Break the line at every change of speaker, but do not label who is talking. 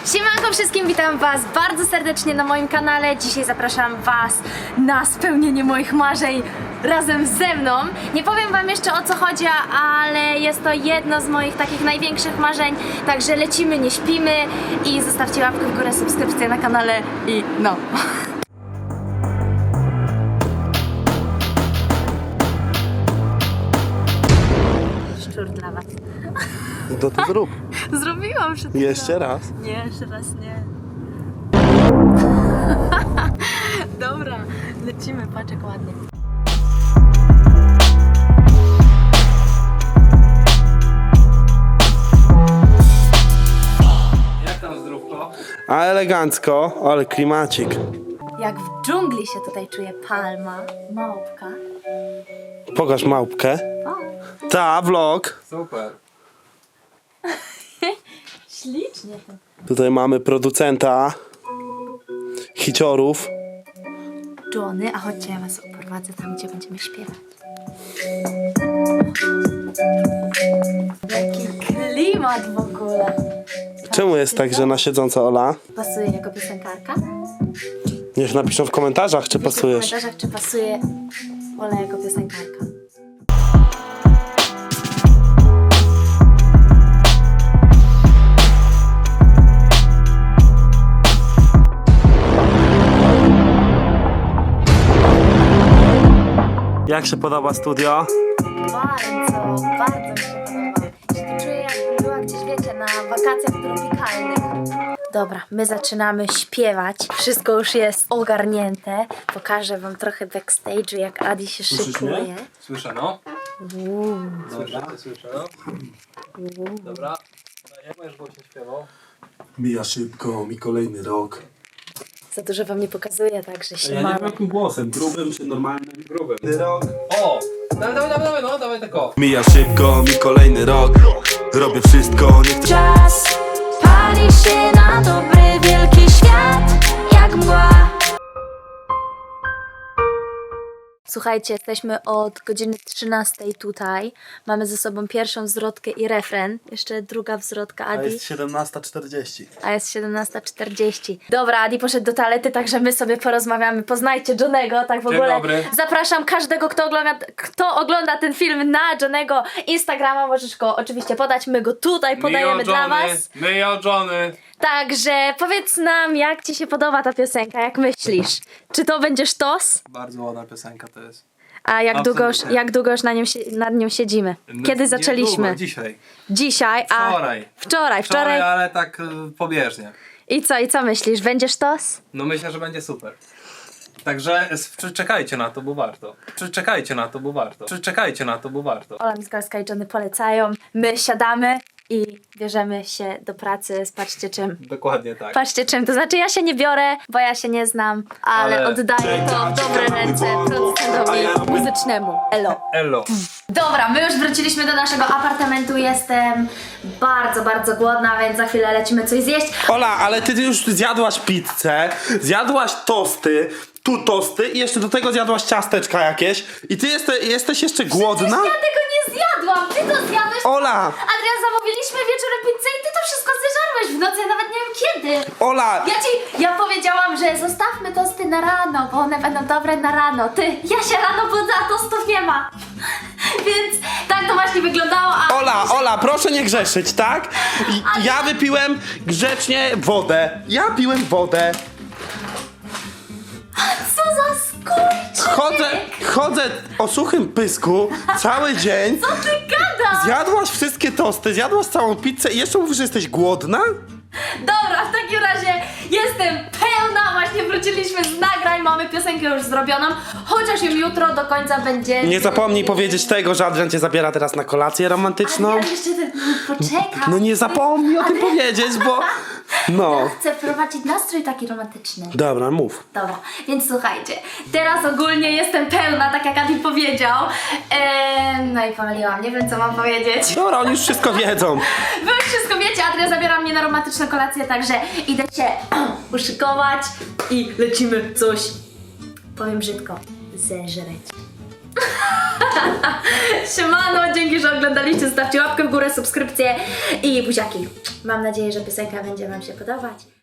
Siemanko wszystkim, witam was bardzo serdecznie na moim kanale. Dzisiaj zapraszam was na spełnienie moich marzeń razem ze mną. Nie powiem wam jeszcze o co chodzi, ale jest to jedno z moich takich największych marzeń. Także lecimy, nie śpimy i zostawcie łapkę w górę, subskrypcję na kanale i no. Szczur dla was.
To ty zrób.
Zrobiłam przed chwilą.
Jeszcze raz.
Nie, jeszcze raz nie. Dobra, lecimy, patrz jak ładnie.
Jak tam zdrówko?
A elegancko, ale klimacik.
Jak w dżungli się tutaj czuje palma, małpka.
Pokaż małpkę. Ta, vlog.
Super.
Ślicznie to.
Tutaj mamy producenta hiciorów.
Johnny, a chodźcie, ja was oprowadzę tam, gdzie będziemy śpiewać. Jaki klimat w ogóle.
Czemu jest tak, że na siedząca Ola?
Pasuje jako piosenkarka?
Niech napiszą w komentarzach, czy
Piszcie
pasujesz.
w komentarzach, czy pasuje Ola jako piosenkarka.
Jak się podoba studio?
Bardzo, bardzo mi się podoba. Czuję, jakbym była gdzieś, wiecie, na wakacjach tropikalnych. Dobra, my zaczynamy śpiewać. Wszystko już jest ogarnięte. Pokażę wam trochę backstage'u, jak Adi się szykuje.
Słyszę, no. Dobra, słyszę, no. Dobra. Jak będziesz głośno śpiewał?
Mija szybko, mi kolejny rok.
Za dużo wam nie pokazuję, także się
Ja nie
mam.
wiem jakim głosem, grubym czy normalnym?
Grubym.
Rok.
O! Dawaj, no, dawaj tako.
Mija szybko, mi kolejny rok. Robię wszystko, nie chcę.
Czas pali się na dobry, wielki świat, jak mgła.
Słuchajcie, jesteśmy od godziny 13 tutaj. Mamy ze sobą pierwszą zwrotkę i refren. Jeszcze druga zwrotka,
A
Adi.
jest 17:40.
A jest 17:40. Dobra, Adi poszedł do toalety, także my sobie porozmawiamy. Poznajcie Johnego, tak w
Dzień
ogóle.
dobry.
Zapraszam każdego, kto ogląda ten film na Johnego Instagrama. Możesz go oczywiście podać, my go tutaj podajemy dla was.
Myjo Johnny.
Także powiedz nam, jak ci się podoba ta piosenka, jak myślisz? Czy to będzie sztos?
Bardzo ładna piosenka to jest.
A
Absolutnie.
jak długo już nad nią siedzimy? Kiedy zaczęliśmy?
Niedługo, dzisiaj.
Dzisiaj, a
Wczoraj.
Wczoraj.
ale tak pobieżnie.
I co myślisz? Będzie sztos?
No myślę, że będzie super. Także czekajcie na to, bo warto. Czekajcie na to, bo warto. Czekajcie na to, bo warto.
Ola Mizgalska i Johnny polecają. My siadamy i bierzemy się do pracy. Patrzcie czym.
Dokładnie tak.
Patrzcie czym. To znaczy ja się nie biorę, bo ja się nie znam, ale oddaję to w dobre ręce producentowi muzycznemu. Elo.
Elo.
Dobra, my już wróciliśmy do naszego apartamentu. Jestem bardzo, bardzo głodna, więc za chwilę lecimy coś zjeść.
Ola, ale ty już zjadłaś pizzę, zjadłaś tosty, tu tosty i jeszcze do tego zjadłaś ciasteczka jakieś i ty jesteś jeszcze głodna?
Ja tego nie zjadłam, ty to zjadłeś.
Ola!
Adrian, zamówiliśmy wieczorem pizzę i ty to wszystko zeżarłeś w nocy, ja nawet nie wiem kiedy.
Ola!
Ja powiedziałam, że zostawmy tosty na rano, bo one będą dobre na rano. Ja się rano budzę, a tostów nie ma. Więc tak to właśnie wyglądało, a...
Ola, proszę nie grzeszyć, tak? Ja wypiłem grzecznie wodę. Ja piłem wodę.
Co za skurczybyk!
Chodzę o suchym pysku cały dzień.
Co ty gadasz?
Zjadłaś wszystkie tosty, zjadłaś całą pizzę i jeszcze mówisz, że jesteś głodna?
Dobra, w takim razie jestem pełna, właśnie wróciliśmy z nagrań, mamy piosenkę już zrobioną, chociaż ją jutro do końca będzie...
Nie zapomnij powiedzieć tego, że Adrian cię zabiera teraz na kolację romantyczną.
Ale jeszcze poczekaj.
No nie zapomnij o tym powiedzieć, bo... No.
Chcę wprowadzić nastrój taki romantyczny.
Dobra, mów.
Dobra, więc słuchajcie, teraz ogólnie jestem pełna, tak jak Adi powiedział. No i pomyliłam, nie wiem co mam powiedzieć.
Dobra, oni już wszystko wiedzą.
Wy już wszystko wiecie, Adria zabiera mnie na romantyczną kolację, także idę się uszykować i lecimy coś, powiem brzydko, zeżreć. Siemano, dzięki, że oglądaliście, zostawcie łapkę w górę, subskrypcję i buziaki. Mam nadzieję, że piosenka będzie wam się podobać.